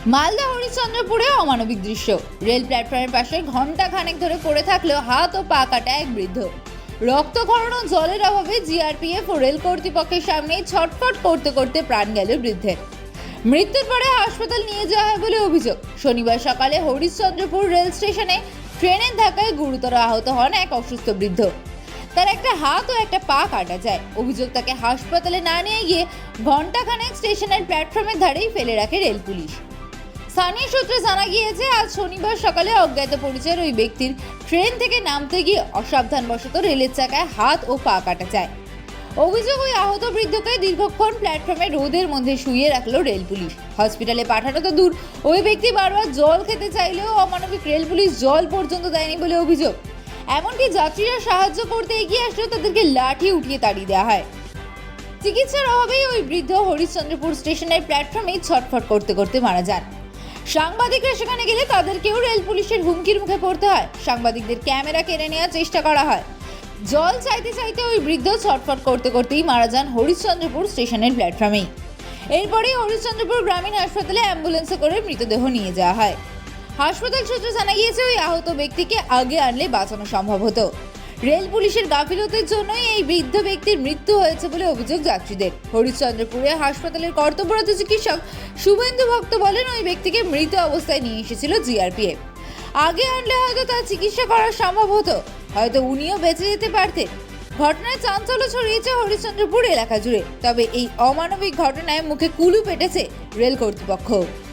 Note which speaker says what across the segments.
Speaker 1: মালদা হরিশ্চন্দ্রপুরে অমানবিক দৃশ্য। রেল প্ল্যাটফর্মের পাশে ঘন্টা খানেক ধরে পড়ে থাকলেও হাত ও পা কাটা এক বৃদ্ধ। রক্তক্ষরণ ও জলের অভাবে জিআরপিএফ ও রেল কর্তৃপক্ষের সামনে ছটফট করতে করতে প্রাণ গেল বৃদ্ধের। মৃত্যুর পরে হাসপাতাল নিয়ে যাওয়া হয় বলে অভিযোগ। শনিবার সকালে হরিশ্চন্দ্রপুর রেল স্টেশনে ট্রেনের ধাক্কায় গুরুতর আহত হন এক অসুস্থ বৃদ্ধ। তার একটা হাত ও একটা পা কাটা যায়। অভিযোগ, তাকে হাসপাতালে না নিয়ে গিয়ে ঘন্টাখানেক স্টেশনের প্ল্যাটফর্মের ধারেই ফেলে রাখে রেল পুলিশ। স্থানীয় সূত্রে জানা গিয়েছে, আজ শনিবার সকালে অজ্ঞাত পরিচয়ের ওই ব্যক্তির ট্রেন থেকে নামতে গিয়ে অসাবধানবশত রেলের চাকায় হাত ও পা কাটা যায়। অভিযোগ, ওই আহত বৃদ্ধকে দীর্ঘক্ষণ প্ল্যাটফর্মে রোদের মধ্যে শুইয়ে রাখলো রেল পুলিশ। হসপিটালে পাঠানো তো দূর, ওই ব্যক্তি বারবার জল খেতে চাইলেও অমানবিক রেল পুলিশ জল পর্যন্ত দেয়নি বলে অভিযোগ। এমনকি যাত্রীরা সাহায্য করতে এগিয়ে আসলেও তাদেরকে লাঠি উঠিয়ে তাড়িয়ে দেওয়া হয়। চিকিৎসার অভাবেই ওই বৃদ্ধ হরিশ্চন্দ্রপুর স্টেশনের প্ল্যাটফর্মেই ছটফট করতে করতে মারা যান। সাংবাদিকরা সেখানে গেলে তাদেরকেও রেল পুলিশের হুমকির মুখে পড়তে হয়। সাংবাদিকদের ক্যামেরা কেড়ে নেওয়ার চেষ্টা করা হয়। জল চাইতে চাইতে ওই বৃদ্ধ ছটফট করতে করতেই মারা যান হরিশ্চন্দ্রপুর স্টেশনের প্ল্যাটফর্মেই। এরপরেই হরিশ্চন্দ্রপুর গ্রামীণ হাসপাতালে অ্যাম্বুলেন্সে করে মৃতদেহ নিয়ে যাওয়া হয়। হাসপাতাল সূত্রে জানা গিয়েছে, ওই আহত ব্যক্তিকে আগে আনলে বাঁচানো সম্ভব হতো। রেল পুলিশের গাফিলতির জন্যই এই বৃদ্ধ ব্যক্তির মৃত্যু হয়েছে বলে অভিযোগ যাত্রীদের। হরিশ্চন্দ্রপুরে হাসপাতালের কর্তব্যরত চিকিৎসক শুভেন্দু ভক্ত বলেন, ওই ব্যক্তিকে মৃত অবস্থায় নিয়ে এসেছিল জিআরপিএফ। আগে আনলে হয়তো তার চিকিৎসা করা সম্ভব হতো, হয়তো উনিও বেঁচে যেতে পারতেন। ঘটনায় চাঞ্চল্য ছড়িয়েছে হরিশ্চন্দ্রপুর এলাকা জুড়ে। তবে এই অমানবিক ঘটনায় মুখে কুলু পেটেছে রেল কর্তৃপক্ষ।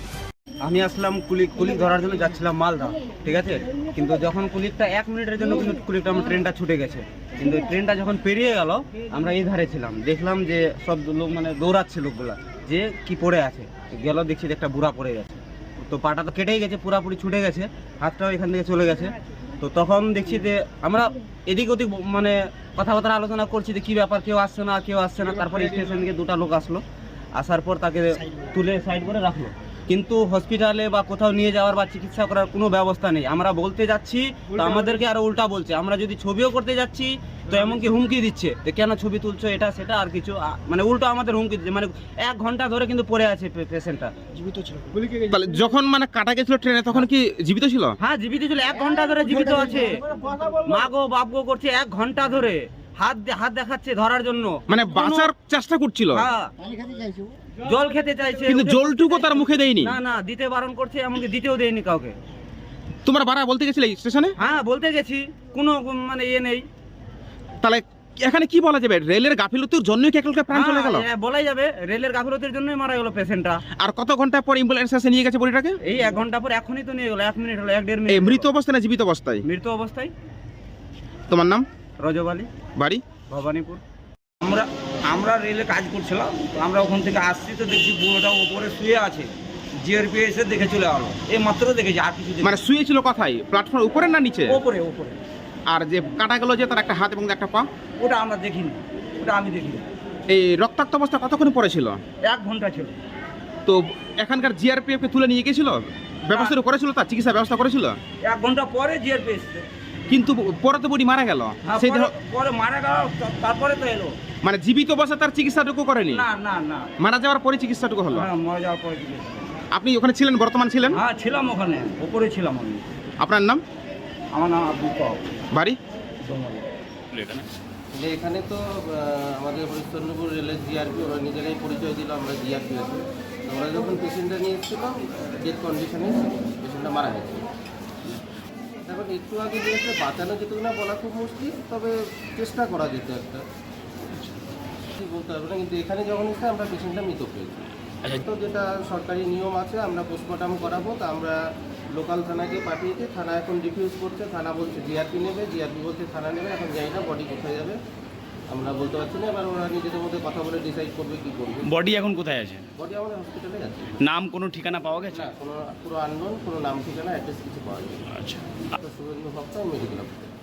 Speaker 2: আমি আসলাম কুলিক ধরার জন্য যাচ্ছিলাম মালদা, ঠিক আছে। কিন্তু যখন কুলিকটা 1 মিনিটের জন্য কিন্তু কুলিকটা আমার ট্রেনটা ছুটে গেছে। কিন্তু ট্রেনটা যখন পেরিয়ে গেল, আমরা এই ধারে ছিলাম, দেখলাম যে সব লোক মানে দৌড়াচ্ছে লোকগুলা, যে কি পড়ে আছে। গেল দেখছি যে একটা বুড়া পড়ে গেছে। তো পাটা তো কেটেই গেছে, পুরাপুরি ছুটে গেছে, হাতটাও এখান থেকে চলে গেছে। তো তখন দেখছি যে আমরা এদিক ওদিক মানে কথাবার্তা আলোচনা করছি যে কী ব্যাপার, কেউ আসছে না কেউ আসছে না। তারপরে স্টেশন থেকে 2টা লোক আসলো, আসার পর তাকে তুলে সাইড করে রাখলো। কিন্তু হসপিটালে বা কোথাও নিয়ে যাওয়ার বা চিকিৎসা করার কোনো ব্যবস্থা নেই। আমরা বলতে যাচ্ছি তো আমাদেরকে আরো উল্টা বলছে। আমরা যদি ছবিও করতে যাচ্ছি তো এমনকি হুমকি দিচ্ছে, তো কেন ছবি তুলছো, এটা সেটা আর কিছু, মানে উল্টো আমাদের হুমকি দিচ্ছে। মানে 1 ঘন্টা ধরে কিন্তু পড়ে আছে পেশেন্টটা। জীবিত ছিল
Speaker 3: যখন মানে কাটা গেছিল ট্রেনে, তখন কি জীবিত ছিল?
Speaker 2: হ্যাঁ জীবিত ছিল, 1 ঘন্টা ধরে জীবিত আছে। মা গো বাপ গো করছে 1 ঘন্টা ধরে, হাত দেখাচ্ছে ধরার জন্য,
Speaker 3: মানে বাঁচার চেষ্টা করছিল।
Speaker 2: হ্যাঁ জল খেতে চাইছে,
Speaker 3: কিন্তু জলটুকু তার মুখে দেয়নি।
Speaker 2: না দিতে বারণ করছে, এমনকি দিতেও দেয়নি কাউকে।
Speaker 3: তোমরা বারা বলতে গেছিলে স্টেশনে?
Speaker 2: হ্যাঁ বলতে গেছি, কোনো মানে ইয়ে নেই।
Speaker 3: তাহলে এখানে কি বলা যাবে, রেলের গাফিলতির জন্যই কি একজনকে প্রাণ চলে গেল?
Speaker 2: হ্যাঁ বলাই যাবে, রেলের গাফিলতির জন্যই মারা গেল পেশেন্টটা।
Speaker 3: আর কত ঘন্টা পর অ্যাম্বুলেন্স এসে নিয়ে গেছে বডিটাকে?
Speaker 2: এই 1 ঘন্টা পর, এখনই তো নিয়ে গেল, 1 মিনিট হলো, 1-1.5 মিনিট।
Speaker 3: এই মৃত অবস্থায় না জীবিত অবস্থায়?
Speaker 2: মৃত অবস্থায়।
Speaker 3: তোমার নাম?
Speaker 2: রজব আলী,
Speaker 3: বাড়ি
Speaker 2: ভবানীপুর।
Speaker 4: আমরা রেলে কাজ করছিলাম, তো আমরা ওখান থেকে আসছি, তো দেখছি বুড়োটা উপরে শুয়ে আছে। জিআরপি এসে দেখে চলে গেলো, এই মাত্র দেখেছি, আর কিছু
Speaker 3: মানে শুয়েছিল কোথায়, প্ল্যাটফর্ম উপরে না নিচে?
Speaker 4: উপরে।
Speaker 3: আর যে কাটা গেল যে তার একটা হাত এবং একটা পা,
Speaker 4: ওটা আমরা দেখিনি, ওটা আমি দেখিনি।
Speaker 3: এই রক্তাক্ত অবস্থা কতক্ষণ পরে ছিল?
Speaker 4: 1 ঘন্টা ছিল।
Speaker 3: তো এখানকার জিআরপিএফ কে তুলে নিয়ে গেছিল, ব্যবস্থা করেছিল, তার চিকিৎসা ব্যবস্থা করেছিল?
Speaker 4: 1 ঘন্টা পরে জিআরপি এসছে।
Speaker 3: কিন্তু পরে তো বডি মারা গেল।
Speaker 4: হ্যাঁ,
Speaker 3: সেই
Speaker 4: পরে মারা গেল, তারপরে তো এলো।
Speaker 3: মানে জীবিত অবস্থা তার চিকিৎসাটুকু করেনি?
Speaker 4: না
Speaker 3: মারা যাওয়ার পরে চিকিৎসাটুকু হলো?
Speaker 4: হ্যাঁ, মারা যাওয়ার পরে কি?
Speaker 3: আপনি ওখানে ছিলেন, বর্তমান ছিলেন?
Speaker 4: হ্যাঁ ছিলাম, ওখানে উপরে ছিলাম আমি।
Speaker 3: আপনার নাম?
Speaker 4: আমার নাম আব্দুল কাও,
Speaker 3: বাড়ি?
Speaker 5: যে এখানে তো আমাদের হরিশ্চন্দ্রপুর রেলের জিআরপি, ওরা নিজেরাই পরিচয় দিল আমরা জিআরপি আছি। আমরা যখন পেশেন্টটা নিয়ে এসেছিলাম, ডেথ কন্ডিশনে পেশেন্টটা মারা গেছে। এখন একটু আগে যে একটা বাঁচানো যেত না বলা খুব মুশকিল, তবে চেষ্টা করা যেত একটা, ঠিক বলতে পারবো না। কিন্তু এখানে যখন এসে আমরা পেশেন্টটা মৃত পেয়েছি। তো যেটা সরকারি নিয়ম আছে, আমরা পোস্টমর্টম করাবো, তা আমরা লোকাল থানাকে পাঠিয়েছি। থানা এখন রিফিউজ করছে, থানা বলছে জিআরপি নেবে, জিআরপি বলছে থানা নেবে। এখন জানি না বডি কোথায় যাবে আমরা বলতে পারছি না। এবার ওরা নিজেদের মধ্যে কথা বলে ডিসাইড করবে কি করবে।
Speaker 6: বডি এখন কোথায় আছে?
Speaker 5: বডি আমাদের হসপিটালে আছে।
Speaker 6: নাম কোনো ঠিকানা পাওয়া গেছে?
Speaker 5: না, কোনো পুরো আননোন, কোনো নাম ঠিকানা অ্যাড্রেস কিছু পাওয়া যায়নি।
Speaker 6: আচ্ছা,
Speaker 5: তো শুভেন্দু ভক্ত মেডিকেল অফিসার।